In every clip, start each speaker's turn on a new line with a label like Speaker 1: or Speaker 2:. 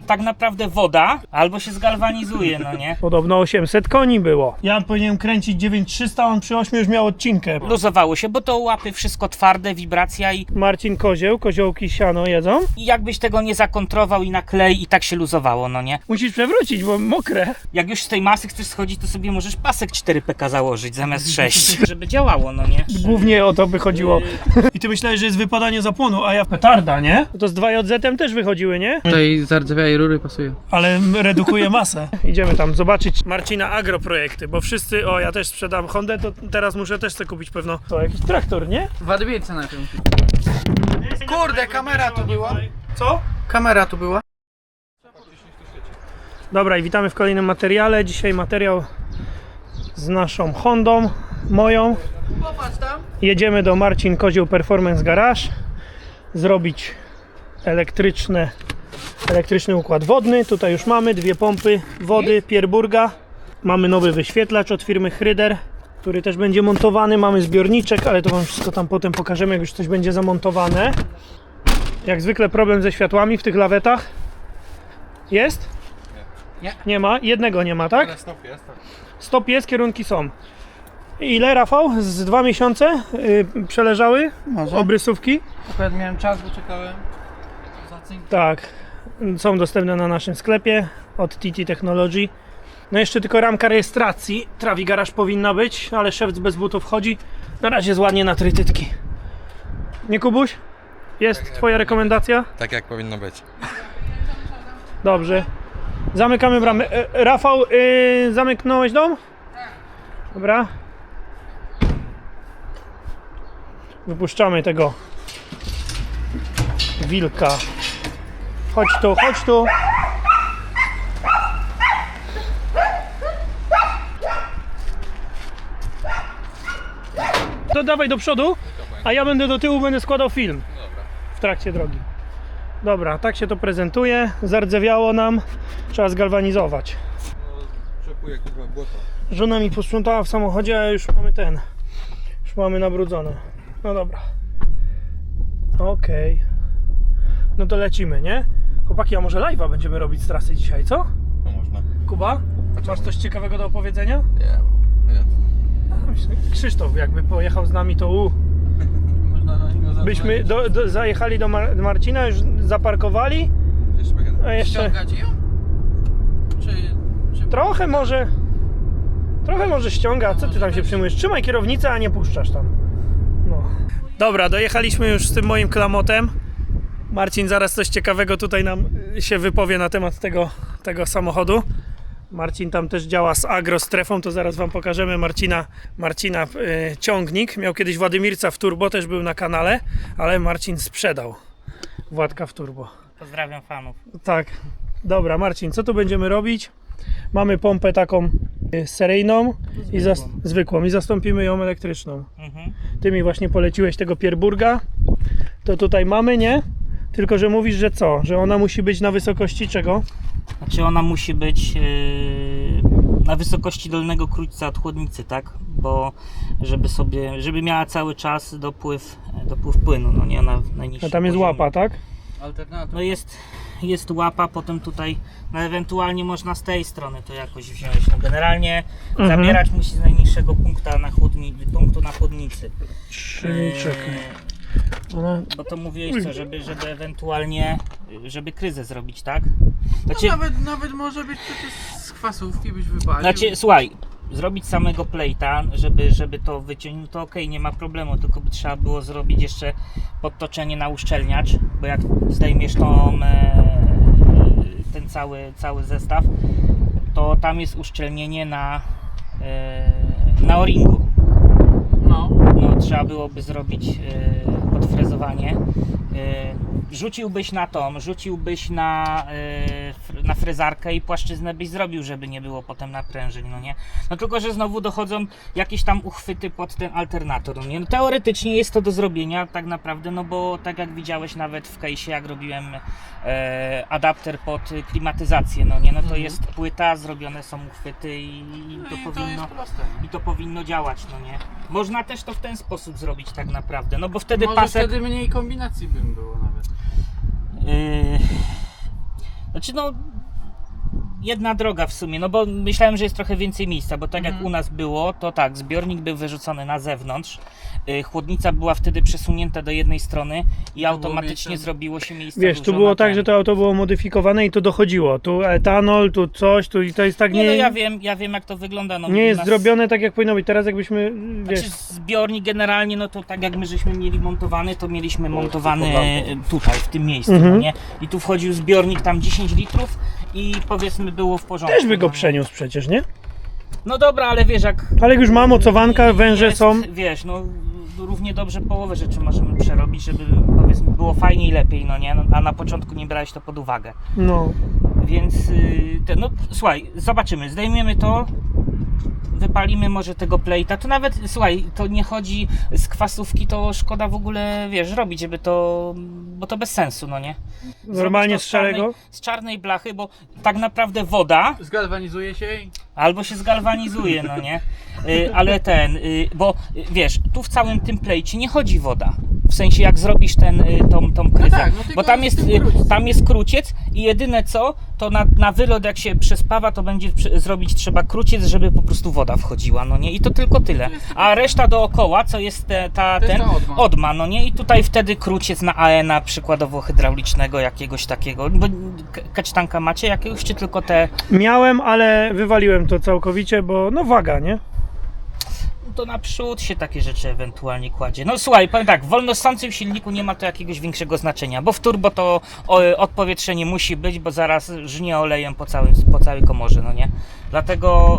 Speaker 1: tak naprawdę woda albo się zgalwanizuje, no nie?
Speaker 2: Podobno 800 koni było. Ja powinienem kręcić 9300, on przy 8 już miał odcinkę.
Speaker 1: Luzowało się, bo to łapy wszystko twarde, wibracja i
Speaker 2: Marcin Kozieł, koziołki siano jedzą.
Speaker 1: jakbyś tego nie zakontrował i na klej i tak się luzowało, no nie?
Speaker 2: Musisz przewrócić, bo mokre.
Speaker 1: Jak już z tej masy chcesz schodzić, to sobie możesz pasek 4PK założyć zamiast 6, żeby działało, no nie?
Speaker 2: Głównie o to by chodziło. I ty myślałeś, że jest wypadanie zapłonu, a ja petarda, nie? To z 2JZ też wychodziły, nie?
Speaker 3: Tutaj zardzewiałej rury pasuje.
Speaker 2: Ale redukuje masę. Idziemy tam zobaczyć Marcina agroprojekty, bo wszyscy, ja też sprzedam Hondę, to teraz muszę też sobie kupić pewno. To jakiś traktor, nie?
Speaker 3: W Adwiece na tym. Kurde, kamera tu była.
Speaker 2: Co?
Speaker 3: Kamera tu była.
Speaker 2: Dobra, i witamy w kolejnym materiale. Dzisiaj materiał z naszą Hondą, moją.
Speaker 3: Popatrz tam.
Speaker 2: Jedziemy do Marcin Kozioł Performance Garage zrobić elektryczny układ wodny. Tutaj już mamy dwie pompy wody Pierburga. Mamy nowy wyświetlacz od firmy Hryder, który też będzie montowany. Mamy zbiorniczek, ale to wam wszystko tam potem pokażemy, jak już coś będzie zamontowane. Jak zwykle problem ze światłami w tych lawetach. Jest?
Speaker 3: Nie.
Speaker 2: Nie ma? Jednego nie ma, tak?
Speaker 3: Ale stop jest.
Speaker 2: Stop jest, kierunki są. Ile, Rafał? Z 2 miesiące przeleżały
Speaker 3: Może.
Speaker 2: obrysówki?
Speaker 3: Akurat miałem czas, bo czekałem. Za cynk.
Speaker 2: Tak, są dostępne na naszym sklepie od TT Technology. No jeszcze tylko ramka rejestracji Trawi Garage powinna być, ale szewc bez butów chodzi. Na razie jest ładnie na trytytki. Nie, Kubuś? Jest twoja rekomendacja?
Speaker 4: Tak jak powinno być.
Speaker 2: Dobrze. Zamykamy bramę. Rafał, zamknąłeś dom? Dobra. Wypuszczamy tego wilka. Chodź tu, chodź tu. To dawaj do przodu, a ja będę do tyłu, będę składał film w trakcie drogi. Dobra, tak się to prezentuje. Zardzewiało nam. Trzeba zgalwanizować.
Speaker 4: Czekuję kurwa błoto.
Speaker 2: Żona mi posprzątała w samochodzie, a już mamy już mamy nabrudzone. No dobra. Okej. No to lecimy, nie? Chłopaki, a może live'a będziemy robić z trasy dzisiaj, co?
Speaker 4: No można.
Speaker 2: Kuba? Masz coś ciekawego do opowiedzenia?
Speaker 4: Nie.
Speaker 2: Krzysztof jakby pojechał z nami, to
Speaker 3: Można na niego zadzwonić.
Speaker 2: byśmy zajechali do Marcina, już zaparkowali,
Speaker 4: Jeszcze będę.
Speaker 2: a jeszcze
Speaker 3: Ściągać ją? Czy...
Speaker 2: trochę może ściąga. Co ty tam się przyjmujesz? Trzymaj kierownicę, a nie puszczasz tam. No. Dobra, dojechaliśmy już z tym moim klamotem. Marcin zaraz coś ciekawego tutaj nam się wypowie na temat tego samochodu. Marcin tam też działa z agrostrefą, to zaraz wam pokażemy Marcina ciągnik. Miał kiedyś Władymirca w turbo, też był na kanale, ale Marcin sprzedał Władka w turbo.
Speaker 1: Pozdrawiam fanów.
Speaker 2: Tak, dobra, Marcin, co tu będziemy robić? Mamy pompę taką seryjną zwykłą i zastąpimy ją elektryczną. Ty mi właśnie poleciłeś tego Pierburga. To tutaj mamy, nie? Tylko że mówisz, że co? Że ona musi być na wysokości czego?
Speaker 1: Znaczy ona musi być na wysokości dolnego krójca od chłodnicy, tak? Bo żeby miała cały czas dopływ płynu, no nie na najniższym
Speaker 2: A tam jest
Speaker 1: poziomie.
Speaker 2: łapa, tak?
Speaker 3: Alternatyw.
Speaker 1: No jest łapa, potem tutaj no ewentualnie można z tej strony to jakoś wziąć. No generalnie zabierać musi z najniższego punktu na chłodnicy.
Speaker 2: Czyli czekaj.
Speaker 1: Bo to mówiłeś co, żeby ewentualnie, żeby kryzę zrobić, tak? Znaczy,
Speaker 3: Nawet może być przecież z kwasówki byś wypalił.
Speaker 1: znaczy słuchaj, zrobić samego plate'a, żeby to wyciągnąć, to okej, nie ma problemu, tylko by trzeba było zrobić jeszcze podtoczenie na uszczelniacz, bo jak zdejmiesz ten cały zestaw, to tam jest uszczelnienie na o-ringu. No, trzeba byłoby zrobić podfrezowanie. Rzuciłbyś na frezarkę i płaszczyznę byś zrobił, żeby nie było potem naprężeń, no nie? No tylko, że znowu dochodzą jakieś tam uchwyty pod ten alternator, no nie? No, teoretycznie jest to do zrobienia tak naprawdę, no bo tak jak widziałeś nawet w case'ie, jak robiłem adapter pod klimatyzację, no nie? No to jest płyta, zrobione są uchwyty i to powinno działać, no nie? Można też to w ten sposób zrobić tak naprawdę, no bo wtedy
Speaker 3: Może
Speaker 1: pasek...
Speaker 3: wtedy mniej kombinacji bym było nawet.
Speaker 1: Znaczy no, jedna droga w sumie, no bo myślałem, że jest trochę więcej miejsca, bo tak jak u nas było, to tak, zbiornik był wyrzucony na zewnątrz, chłodnica była wtedy przesunięta do jednej strony i automatycznie
Speaker 3: miejsce.
Speaker 1: zrobiło się miejsce.
Speaker 2: Wiesz, tu
Speaker 1: dużo
Speaker 2: było
Speaker 1: na
Speaker 2: tak,
Speaker 1: ten.
Speaker 2: że to auto było modyfikowane i to dochodziło. Tu etanol, tu coś, tu i to jest tak
Speaker 1: Nie, no
Speaker 2: nie
Speaker 1: ja wiem jak to wygląda. No,
Speaker 2: nie
Speaker 1: u
Speaker 2: jest
Speaker 1: nas-
Speaker 2: zrobione tak jak powinno być. Teraz jakbyśmy, wiesz,
Speaker 1: Znaczy zbiornik generalnie, no to tak jak my żeśmy mieli montowany, to mieliśmy montowany tutaj, w tym miejscu, no nie? I tu wchodził zbiornik tam 10 litrów i powiedzmy było w porządku.
Speaker 2: też by go
Speaker 1: no nie?
Speaker 2: przeniósł przecież, nie?
Speaker 1: No dobra, ale wiesz jak...
Speaker 2: Ale jak już ma mocowanka, węże
Speaker 1: jest,
Speaker 2: są.
Speaker 1: Wiesz, no równie dobrze połowę rzeczy możemy przerobić, żeby powiedzmy było fajniej i lepiej, no nie? No, a na początku nie brałeś to pod uwagę.
Speaker 2: No.
Speaker 1: Więc no słuchaj, zobaczymy, zdejmiemy to, wypalimy może tego plejta, to nawet, słuchaj, to nie chodzi z kwasówki, to szkoda w ogóle, wiesz, robić, żeby to, bo to bez sensu, no nie? Zrobić
Speaker 2: Normalnie
Speaker 1: to
Speaker 2: z szarego?
Speaker 1: z czarnej blachy, bo tak naprawdę woda
Speaker 3: Zgalwanizuje się i...
Speaker 1: albo się zgalwanizuje, no nie? Ale bo wiesz, tu w całym tym plejcie nie chodzi woda. W sensie jak zrobisz tą kryzę.
Speaker 3: tak, no tylko
Speaker 1: bo tam
Speaker 3: jest
Speaker 1: jest,
Speaker 3: ten kruciec.
Speaker 1: tam jest kruciec i jedyne co, to na wylot jak się przespawa, to będzie zrobić trzeba kruciec, żeby po prostu woda wchodziła, no nie? I to tylko tyle. A reszta dookoła, co jest
Speaker 3: To jest
Speaker 1: ta
Speaker 3: odma.
Speaker 1: odma, no nie? I tutaj wtedy kruciec na AN-a przykładowo hydraulicznego jakiegoś takiego. Bo kacztanka macie jakiegoś, czy tylko te...
Speaker 2: Miałem, ale wywaliłem to całkowicie, bo no waga, nie?
Speaker 1: To naprzód się takie rzeczy ewentualnie kładzie. No słuchaj, powiem tak, w wolnosącym silniku nie ma to jakiegoś większego znaczenia, bo w turbo to odpowietrzenie musi być, bo zaraz żnie olejem po całej komorze, no nie? Dlatego,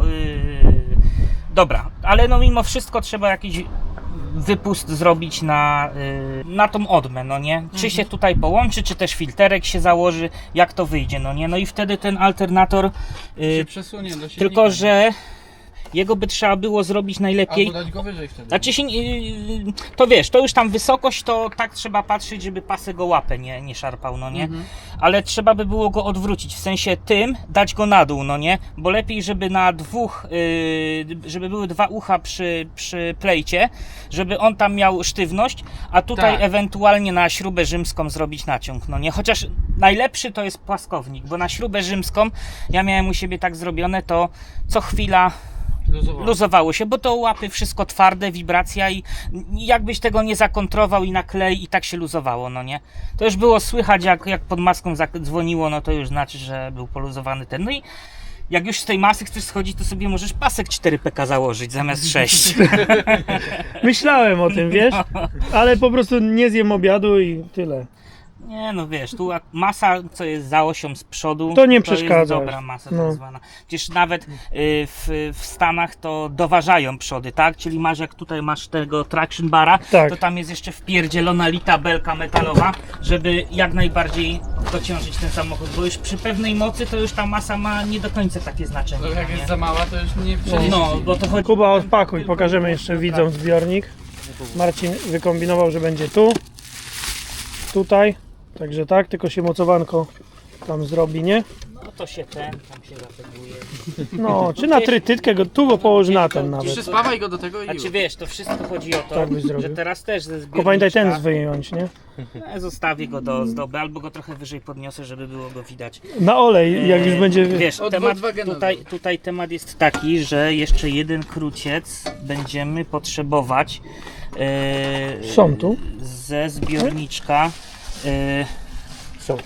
Speaker 1: dobra, ale no mimo wszystko trzeba jakiś wypust zrobić na tą odmę, no nie? Czy się tutaj połączy, czy też filterek się założy, jak to wyjdzie, no nie? No i wtedy ten alternator,
Speaker 3: się przesunie do silnika.
Speaker 1: tylko że jego by trzeba było zrobić najlepiej.
Speaker 3: Albo dać go wyżej wtedy.
Speaker 1: Znaczy się, to wiesz, to już tam wysokość, to tak trzeba patrzeć, żeby pasek go łapę nie szarpał, no nie? Ale trzeba by było go odwrócić, w sensie tym dać go na dół, no nie? Bo lepiej, żeby na dwóch, żeby były dwa ucha przy plejcie, żeby on tam miał sztywność, a tutaj
Speaker 3: Tak.
Speaker 1: ewentualnie na śrubę rzymską zrobić naciąg, no nie? Chociaż najlepszy to jest płaskownik, bo na śrubę rzymską, ja miałem u siebie tak zrobione, to co chwila luzowało się, bo to łapy wszystko twarde, wibracja i jakbyś tego nie zakontrował i na klej i tak się luzowało, no nie? To już było słychać jak pod maską dzwoniło, no to już znaczy, że był poluzowany ten. No i jak już z tej masy chcesz schodzić, to sobie możesz pasek 4PK założyć zamiast 6.
Speaker 2: Myślałem o tym, wiesz? Ale po prostu nie zjem obiadu i tyle.
Speaker 1: Nie no wiesz, tu masa co jest za osią z przodu,
Speaker 2: To nie
Speaker 1: jest
Speaker 2: przeszkadza.
Speaker 1: dobra masa
Speaker 2: No.
Speaker 1: tak zwana. Przecież nawet w Stanach to doważają przody, tak? Czyli masz jak tutaj masz tego traction bara,
Speaker 2: Tak.
Speaker 1: to tam jest jeszcze wpierdzielona lita belka metalowa, żeby jak najbardziej dociążyć ten samochód, bo już przy pewnej mocy to już ta masa ma nie do końca takie znaczenie.
Speaker 3: To jak
Speaker 1: nie?
Speaker 3: jest za mała, to już nie przeniesie.
Speaker 1: No, bo to chodzi...
Speaker 2: Kuba, odpakuj, pokażemy jeszcze widzom zbiornik. Marcin wykombinował, że będzie tu, tutaj, także tak, tylko się mocowanko tam zrobi, nie?
Speaker 1: No to się tam się zateguje.
Speaker 2: No, czy na trytytkę, tu go położy na ten nawet.
Speaker 3: Przyspawaj go do tego i
Speaker 1: Znaczy
Speaker 3: już.
Speaker 1: wiesz, to wszystko chodzi o to,
Speaker 2: Tak byś zrobił.
Speaker 1: że teraz też ze
Speaker 2: Tylko pamiętaj ten
Speaker 1: zbiorniczka-
Speaker 2: wyjąć, nie?
Speaker 1: Zostawię go do ozdoby, albo go trochę wyżej podniosę, żeby było go widać.
Speaker 2: Na olej, jak już będzie...
Speaker 1: Wiesz,
Speaker 3: Od
Speaker 1: temat,
Speaker 3: Volkswagena
Speaker 1: tutaj temat jest taki, że jeszcze jeden kruciec będziemy potrzebować
Speaker 2: Są tu?
Speaker 1: ze zbiorniczka.
Speaker 2: Są.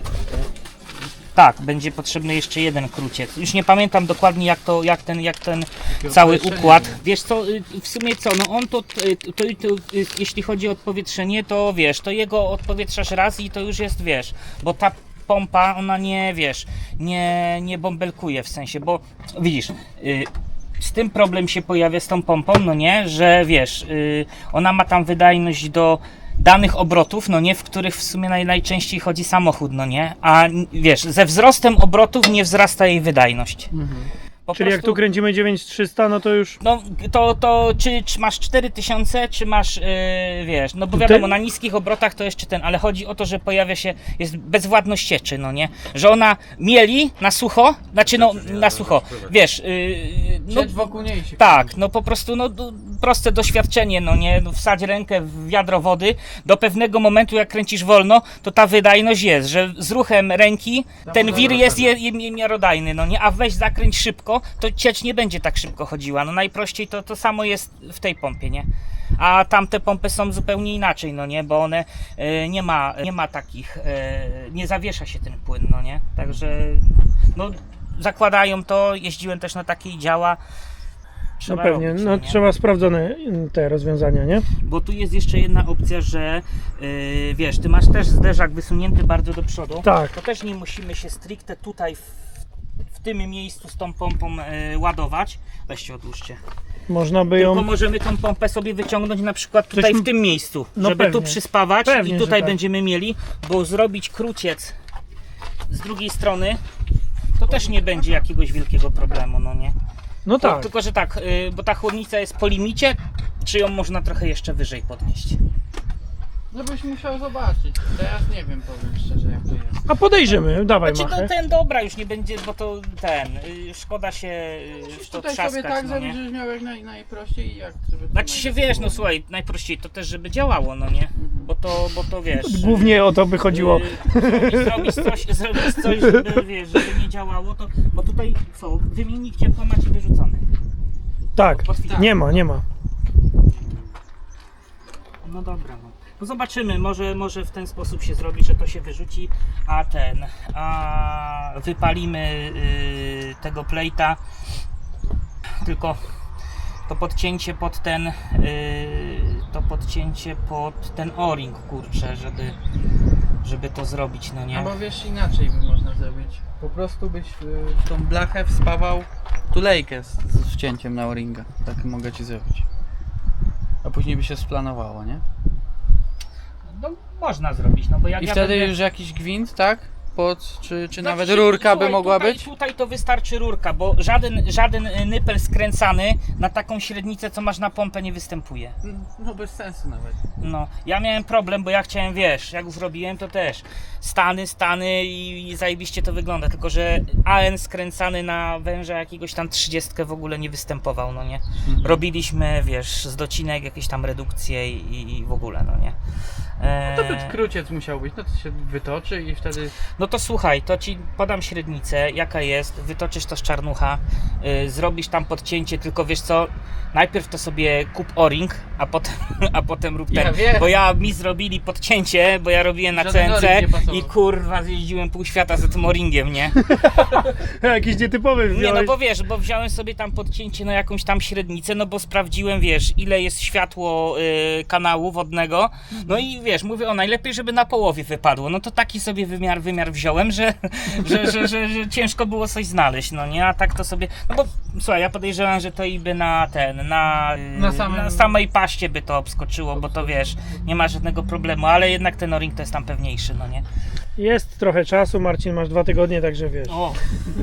Speaker 1: Tak, będzie potrzebny jeszcze jeden kruciec. Już nie pamiętam dokładnie jak ten cały
Speaker 3: odpowietrzenie
Speaker 1: układ.
Speaker 3: było.
Speaker 1: Wiesz co, w sumie co, no on to jeśli chodzi o odpowietrzenie, to wiesz, to jego odpowietrzasz raz i to już jest, wiesz, bo ta pompa, ona nie, wiesz, nie bąbelkuje w sensie, bo widzisz, z tym problem się pojawia z tą pompą, no nie, że wiesz, ona ma tam wydajność do danych obrotów, no nie, w których w sumie najczęściej chodzi samochód, no nie, a wiesz, ze wzrostem obrotów nie wzrasta jej wydajność. Po
Speaker 2: Czyli jak
Speaker 1: prostu-
Speaker 2: tu kręcimy 9300, no to już...
Speaker 1: no to czy masz 4000, czy masz, wiesz, no bo
Speaker 2: Ty-
Speaker 1: wiadomo, na niskich obrotach to jeszcze ale chodzi o to, że pojawia się, jest bezwładność cieczy, no nie, że ona mieli na sucho, znaczy no na sucho, wiesz, no
Speaker 3: Siedź wokół niej się.
Speaker 1: tak, no po prostu, no proste doświadczenie, no nie, no wsadź rękę w wiadro wody, do pewnego momentu jak kręcisz wolno, to ta wydajność jest, że z ruchem ręki ten wir jest miarodajny, no nie, a weź zakręć szybko, to ciecz nie będzie tak szybko chodziła, no najprościej to samo jest w tej pompie, nie? A tamte pompy są zupełnie inaczej, no nie, bo one nie ma takich, nie zawiesza się ten płyn, no nie, także no zakładają to, jeździłem też na takie i działa.
Speaker 2: No
Speaker 1: Trzeba
Speaker 2: pewnie,
Speaker 1: robić,
Speaker 2: no
Speaker 1: nie?
Speaker 2: trzeba sprawdzone te rozwiązania, nie?
Speaker 1: Bo tu jest jeszcze jedna opcja, że wiesz, ty masz też zderzak wysunięty bardzo do przodu.
Speaker 2: Tak.
Speaker 1: To też nie musimy się stricte tutaj w tym miejscu z tą pompą ładować. Weźcie odłóżcie.
Speaker 2: Można by
Speaker 1: Tylko
Speaker 2: ją...
Speaker 1: możemy tą pompę sobie wyciągnąć na przykład tutaj w tym miejscu,
Speaker 2: No
Speaker 1: żeby
Speaker 2: pewnie.
Speaker 1: tu przyspawać
Speaker 2: Pewnie,
Speaker 1: i
Speaker 2: że
Speaker 1: tutaj
Speaker 2: tak.
Speaker 1: będziemy mieli, bo zrobić kruciec z drugiej strony to też nie będzie jakiegoś wielkiego problemu, no nie?
Speaker 2: No tak.
Speaker 1: Tylko, że tak, bo ta chłodnica jest po limicie, czy ją można trochę jeszcze wyżej podnieść?
Speaker 3: No byś musiał zobaczyć. Teraz nie wiem, powiem szczerze, jak to jest.
Speaker 2: A podejrzymy, dawaj
Speaker 1: Znaczy,
Speaker 2: machę.
Speaker 1: no ten dobra już nie będzie, bo to szkoda się w to
Speaker 3: Tutaj
Speaker 1: trzaskać,
Speaker 3: sobie tak
Speaker 1: no
Speaker 3: zrobić,
Speaker 1: nie?
Speaker 3: żebyś miał jak najprościej i jak... Żeby to
Speaker 1: Znaczy się wiesz, no słuchaj, najprościej to też, żeby działało, no nie? Bo to wiesz...
Speaker 2: Głównie o to by chodziło.
Speaker 1: Zrobić coś, żeby, wiesz, żeby nie działało, to... Bo tutaj co, wymiennik ciepła macie wyrzucony.
Speaker 2: Tak,
Speaker 1: Potwierdzam.
Speaker 2: nie ma.
Speaker 1: No dobra, no zobaczymy, może w ten sposób się zrobi, że to się wyrzuci, a wypalimy tego plejta, tylko to podcięcie pod ten o-ring, kurczę, żeby to zrobić, no nie?
Speaker 3: Albo wiesz, inaczej by można zrobić. Po prostu byś w tą blachę wspawał tulejkę z wcięciem na o-ringa. Tak mogę ci zrobić. A później by się splanowało, nie?
Speaker 1: No można zrobić, no bo jak
Speaker 3: I
Speaker 1: ja
Speaker 3: wtedy
Speaker 1: będę...
Speaker 3: już jakiś gwint, tak? czy
Speaker 1: Znaczy,
Speaker 3: nawet rurka by
Speaker 1: słuchaj,
Speaker 3: mogła
Speaker 1: tutaj,
Speaker 3: być?
Speaker 1: Tutaj to wystarczy rurka, bo żaden nypel skręcany na taką średnicę, co masz na pompę, nie występuje.
Speaker 3: No bez sensu nawet.
Speaker 1: No, ja miałem problem, bo ja chciałem, wiesz, jak już robiłem, to też stany i zajebiście to wygląda, tylko że AN skręcany na węża jakiegoś tam 30 w ogóle nie występował, no nie. Robiliśmy, wiesz, z docinek jakieś tam redukcje i w ogóle, no nie.
Speaker 3: To by kruciec musiał być, no to się wytoczy i wtedy...
Speaker 1: No to słuchaj, to ci podam średnicę, jaka jest, wytoczysz to z czarnucha, zrobisz tam podcięcie, tylko wiesz co, najpierw to sobie kup o-ring, a potem rób ten,
Speaker 3: Ja wiem.
Speaker 1: bo mi zrobili podcięcie, bo ja robiłem na
Speaker 3: Żaden
Speaker 1: CNC
Speaker 3: o-ring nie pasował.
Speaker 1: i kurwa zjeździłem pół świata za tym o-ringiem, nie?
Speaker 2: Jakiś nietypowy
Speaker 1: Nie,
Speaker 2: wziąłeś.
Speaker 1: no bo wiesz, bo wziąłem sobie tam podcięcie na jakąś tam średnicę, no bo sprawdziłem, wiesz, ile jest światło kanału wodnego, no i wiesz, mówię, najlepiej, żeby na połowie wypadło, no to taki sobie wymiar wziąłem, że ciężko było coś znaleźć, no nie, a tak to sobie, no bo słuchaj, ja podejrzewam, że to i by na samej paście by to obskoczyło, bo to wiesz, nie ma żadnego problemu, ale jednak ten o-ring to jest tam pewniejszy, no nie.
Speaker 2: Jest trochę czasu, Marcin, masz 2 tygodnie, także wiesz.
Speaker 1: O!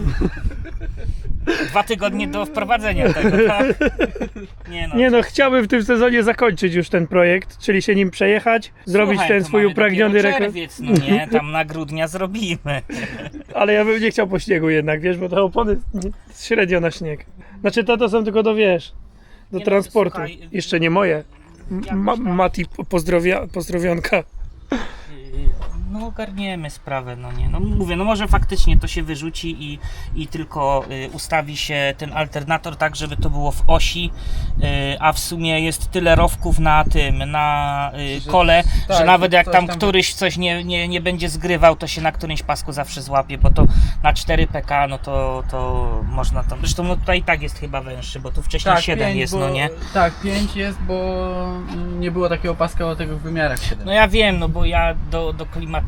Speaker 1: 2 tygodnie do wprowadzenia tego, tak?
Speaker 2: Nie no, chciałbym w tym sezonie zakończyć już ten projekt, czyli się nim przejechać, zrobić
Speaker 1: Słuchaj,
Speaker 2: ten
Speaker 1: to
Speaker 2: swój
Speaker 1: mamy
Speaker 2: upragniony
Speaker 1: dopiero
Speaker 2: rekord.
Speaker 1: czerwiec, no nie, tam na grudnia zrobimy.
Speaker 2: Ale ja bym nie chciał po śniegu jednak, wiesz, bo te opony średnio na śnieg. Znaczy to są tylko do, wiesz, do
Speaker 1: Nie no,
Speaker 2: transportu.
Speaker 1: słuchaj,
Speaker 2: Jeszcze nie moje. Mati pozdrowionka.
Speaker 1: No ogarniemy sprawę, no nie. No mówię, no może faktycznie to się wyrzuci i tylko ustawi się ten alternator tak, żeby to było w osi, a w sumie jest tyle rowków na tym, na kole,
Speaker 3: tak,
Speaker 1: że nawet jak
Speaker 3: coś
Speaker 1: tam
Speaker 3: tam-
Speaker 1: któryś coś nie będzie zgrywał, to się na którymś pasku zawsze złapie, bo to na 4 PK, no to można tam, zresztą no tutaj i tak jest chyba węższy, bo tu wcześniej 7
Speaker 3: 5,
Speaker 1: jest,
Speaker 3: bo,
Speaker 1: no nie.
Speaker 3: Tak, 5 jest, bo nie było takiego paska o tego w wymiarach 7.
Speaker 1: No ja wiem, no bo ja do klimatyzacji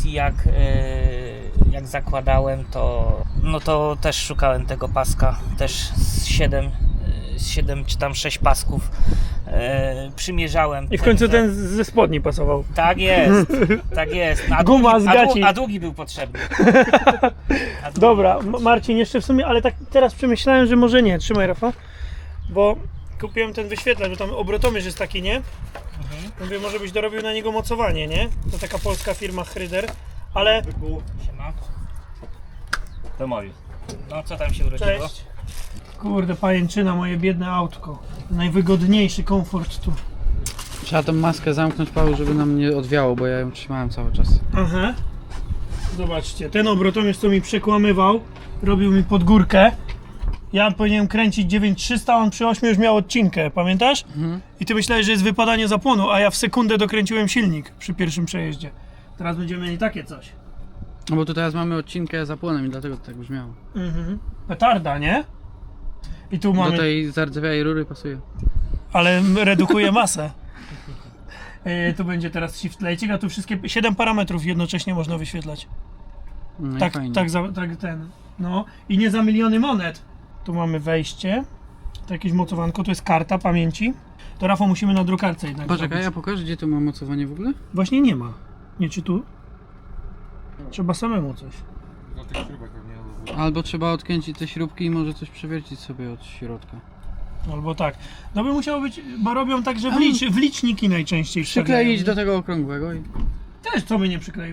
Speaker 1: jak zakładałem, to też szukałem tego paska, też z 7 czy tam 6 pasków przymierzałem.
Speaker 2: I w końcu ten ze spodni pasował.
Speaker 1: Tak jest, tak jest. No,
Speaker 2: Guma z gaci.
Speaker 1: a długi był potrzebny.
Speaker 2: Dobra, Marcin, jeszcze w sumie, ale tak teraz przemyślałem, że może nie. Trzymaj, Rafa. Bo kupiłem ten wyświetlacz, bo tam obrotomierz jest taki, nie? Mówię, może byś dorobił na niego mocowanie, nie? To taka polska firma Hryder, ale...
Speaker 1: Siema.
Speaker 5: To moje.
Speaker 1: No co tam się urodziło?
Speaker 2: Cześć. Kurde, pajęczyna, moje biedne autko. Najwygodniejszy komfort tu.
Speaker 3: Trzeba tą maskę zamknąć, Paweł, żeby nam nie odwiało, bo ja ją trzymałem cały czas.
Speaker 2: Aha. Zobaczcie, ten obrotomierz, co mi przekłamywał, robił mi pod górkę. Ja powinienem kręcić 9300, a on przy 8 już miał odcinkę, pamiętasz? I ty myślałeś, że jest wypadanie zapłonu, a ja w sekundę dokręciłem silnik przy pierwszym przejeździe. Teraz będziemy mieli takie coś.
Speaker 3: No bo tu teraz mamy odcinkę zapłonem i dlatego to tak brzmiało.
Speaker 2: Petarda, nie? I tu mamy...
Speaker 3: Do tej zardzewiałej rury pasuje.
Speaker 2: Ale redukuje masę. Tu będzie teraz shift lighting, a tu wszystkie 7 parametrów jednocześnie można wyświetlać.
Speaker 3: No i
Speaker 2: Tak,
Speaker 3: fajnie.
Speaker 2: tak ten. No i nie za miliony monet. Tu mamy wejście. To jakieś mocowanko, to jest karta pamięci. To Rafał musimy na drukarce jednak
Speaker 3: Poczekaj,
Speaker 2: zrobić.
Speaker 3: ja pokażę, gdzie tu mam mocowanie w ogóle?
Speaker 2: Właśnie nie ma. Nie, czy tu? Trzeba samemu coś.
Speaker 4: Do tych śrubek pewnie.
Speaker 3: Albo trzeba odkręcić te śrubki i może coś przewiercić sobie od środka.
Speaker 2: Albo tak. No by musiało być, bo robią tak, że w liczniki najczęściej
Speaker 3: Przykleić
Speaker 2: wstawiają.
Speaker 3: do tego okrągłego i...
Speaker 2: Też co by nie przykleił.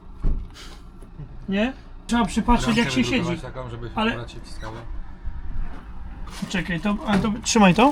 Speaker 2: Nie? Trzeba przypatrzeć jak się siedzi.
Speaker 4: Taką, żeby
Speaker 2: Ale-
Speaker 4: akurat się wciskało.
Speaker 2: Czekaj, to trzymaj to.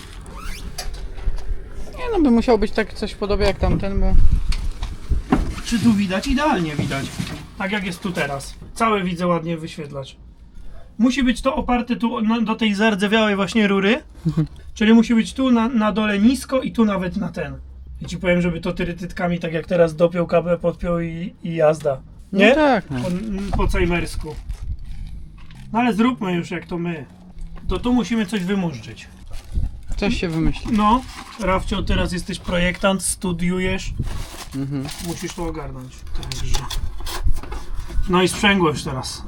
Speaker 3: Nie no, by musiało być tak coś w podobie jak tamten, bo...
Speaker 2: Czy tu widać? Idealnie widać. Tak jak jest tu teraz. Całe widzę ładnie wyświetlacz. Musi być to oparte tu do tej zardzewiałej właśnie rury. Czyli musi być tu na dole nisko i tu nawet na ten. I ci powiem, żeby to tyrytytkami tak jak teraz dopiął kable, podpiął i jazda. Nie?
Speaker 3: No tak, no.
Speaker 2: Po cejmersku. No ale zróbmy już jak to my. To tu musimy coś wymurzyć.
Speaker 3: Coś się wymyśli.
Speaker 2: No, Rafcio, teraz jesteś projektant, studiujesz.
Speaker 3: Mhm.
Speaker 2: Musisz to ogarnąć. Także. No i sprzęgłość teraz.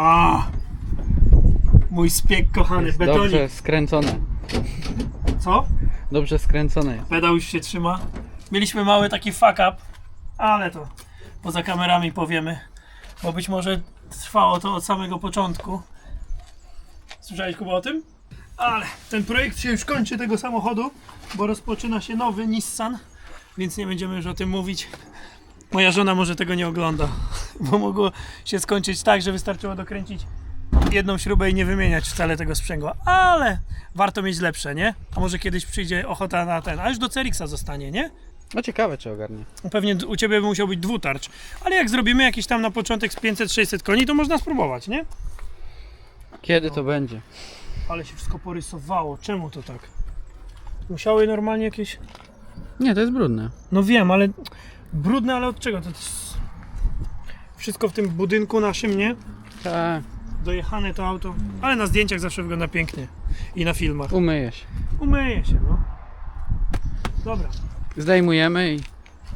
Speaker 2: Mój spiek kochany, betonik.
Speaker 3: Dobrze skręcone.
Speaker 2: Co?
Speaker 3: Dobrze skręcone jest.
Speaker 2: Pedał już się trzyma. Mieliśmy mały taki fuck up, ale to poza kamerami powiemy, bo być może trwało to od samego początku. Słyszałeś, Kuba, o tym? Ale ten projekt się już kończy tego samochodu, bo rozpoczyna się nowy Nissan, więc nie będziemy już o tym mówić. Moja żona może tego nie ogląda, bo mogło się skończyć tak, że wystarczyło dokręcić jedną śrubę i nie wymieniać wcale tego sprzęgła, ale warto mieć lepsze, nie? A może kiedyś przyjdzie ochota na ten, a już do CRX-a zostanie, nie?
Speaker 3: No ciekawe, czy ogarnie.
Speaker 2: Pewnie u Ciebie by musiał być dwutarcz, ale jak zrobimy jakiś tam na początek z 500-600 koni, to można spróbować, nie?
Speaker 3: Kiedy to będzie?
Speaker 2: Ale się wszystko porysowało, czemu to tak? Musiały normalnie jakieś...
Speaker 3: Nie, to jest brudne.
Speaker 2: No wiem, ale brudne, ale od czego? To jest... Wszystko w tym budynku naszym, nie?
Speaker 3: Tak,
Speaker 2: Dojechane to auto, ale na zdjęciach zawsze wygląda pięknie i na filmach.
Speaker 3: umyje się.
Speaker 2: Umyje się, no. Dobra.
Speaker 3: Zdejmujemy i...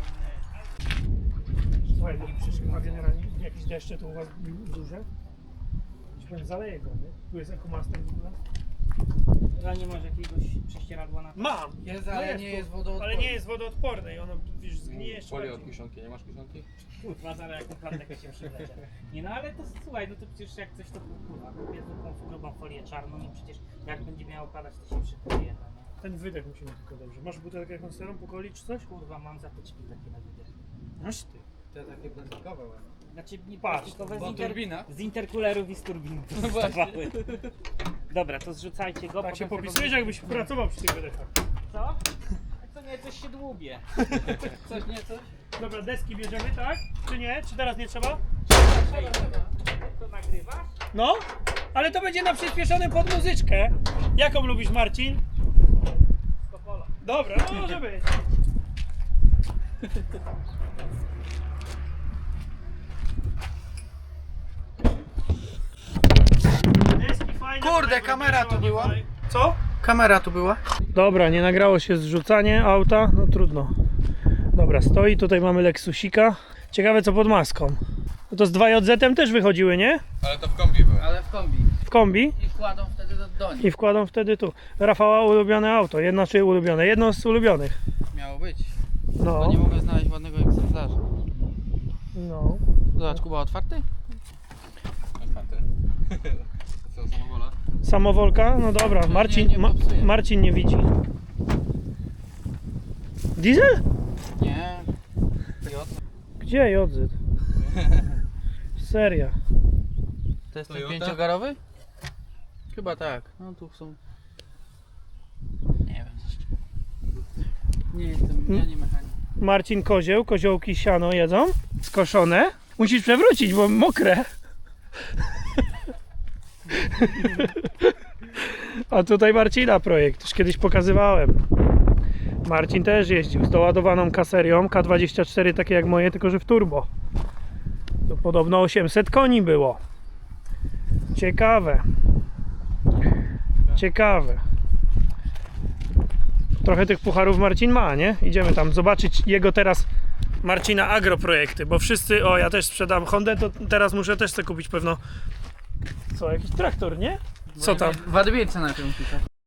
Speaker 2: Słuchaj, bo przecież chyba generalnie jakieś deszcze to u Was duże? Ci powiem, zaleje go, nie? Tu jest EcoMaster w ogóle?
Speaker 1: A nie masz jakiegoś prześcieradła na to?
Speaker 2: Mam!
Speaker 3: Jest,
Speaker 2: No
Speaker 3: ale
Speaker 2: jest
Speaker 3: nie
Speaker 2: tu.
Speaker 3: jest wodoodporne.
Speaker 2: Ale nie jest wodoodporne i ono już zgnije jeszcze
Speaker 4: Folię od
Speaker 2: bardziej.
Speaker 4: kieszonki, nie masz kieszonki?
Speaker 1: Kurwa, zaraz jaką planetę się przylecie. Nie no, ale to słuchaj, no to przecież jak coś to kurwa, kupię taką grubą folię czarną i przecież jak będzie miało padać, to się przykryje, no nie?
Speaker 2: Ten wydech musimy tylko dobrze. Masz butelkę jakąś starą po coli czy coś?
Speaker 1: Kurwa, mam zatyczki takie na wydech.
Speaker 2: Masz ty.
Speaker 3: Te takie plastikowe ładne.
Speaker 1: Znaczy, nie
Speaker 2: Patrz,
Speaker 1: plastikowe,
Speaker 3: bo turbina.
Speaker 1: z interkulerów i z turbin
Speaker 3: No właśnie.
Speaker 1: powstawały. Dobra, to zrzucajcie go.
Speaker 2: Tak się
Speaker 1: potem
Speaker 2: popisujesz, jakbyś pracował przy tych wydechach.
Speaker 1: Co? Co nie, coś się dłubie.
Speaker 3: Coś nie, coś?
Speaker 2: Dobra, deski bierzemy, tak? Czy nie? Czy teraz nie trzeba?
Speaker 1: To nagrywasz?
Speaker 2: No, ale to będzie na przyspieszonym pod muzyczkę. Jaką lubisz, Marcin?
Speaker 1: Skopola.
Speaker 2: Dobra, no może być. Deski fajne,
Speaker 3: Kurde,
Speaker 2: fajne,
Speaker 3: kamera tu była.
Speaker 2: fajne. Co?
Speaker 3: Kamera tu była.
Speaker 2: Dobra, nie nagrało się zrzucanie auta, no trudno. Dobra, stoi, tutaj mamy Lexusika. Ciekawe co pod maską. No to z 2JZ też wychodziły, nie?
Speaker 4: Ale to w kombi były.
Speaker 3: Ale w kombi.
Speaker 2: W kombi
Speaker 3: I wkładą wtedy do nich.
Speaker 2: i wkładą wtedy tu. Rafała ulubione auto, jedno czy ulubione? Jedno z ulubionych.
Speaker 3: Miało być.
Speaker 2: No,
Speaker 3: To nie mogę znaleźć ładnego egzemplarza.
Speaker 2: no.
Speaker 3: Zobacz, Kuba, otwarty?
Speaker 4: Otwarte. Co, samowola?
Speaker 2: Samowolka? No dobra, Marcin
Speaker 3: nie popsuje.
Speaker 2: Marcin nie widzi. Diesel?
Speaker 3: Nie.
Speaker 2: Gdzie JZ? Seria.
Speaker 3: To jest ten
Speaker 4: Toyota?
Speaker 3: pięciogarowy? Chyba tak. No tu są...
Speaker 1: Nie wiem zresztą.
Speaker 3: Nie jestem, ja nie mechanik.
Speaker 2: Marcin kozioł, koziołki siano jedzą, skoszone. Musisz przewrócić, bo mokre. A tutaj Marcina projekt, już kiedyś pokazywałem. Marcin też jeździł z doładowaną kaserią K24, takie jak moje, tylko że w turbo. To podobno 800 koni było. Ciekawe. Ciekawe. Trochę tych pucharów Marcin ma, nie? Idziemy tam zobaczyć jego teraz, Marcina, agroprojekty, bo wszyscy, o ja też sprzedam Hondę, to teraz muszę też sobie kupić pewno, co, jakiś traktor, nie? Co tam?
Speaker 3: W adwiece na tym tutaj.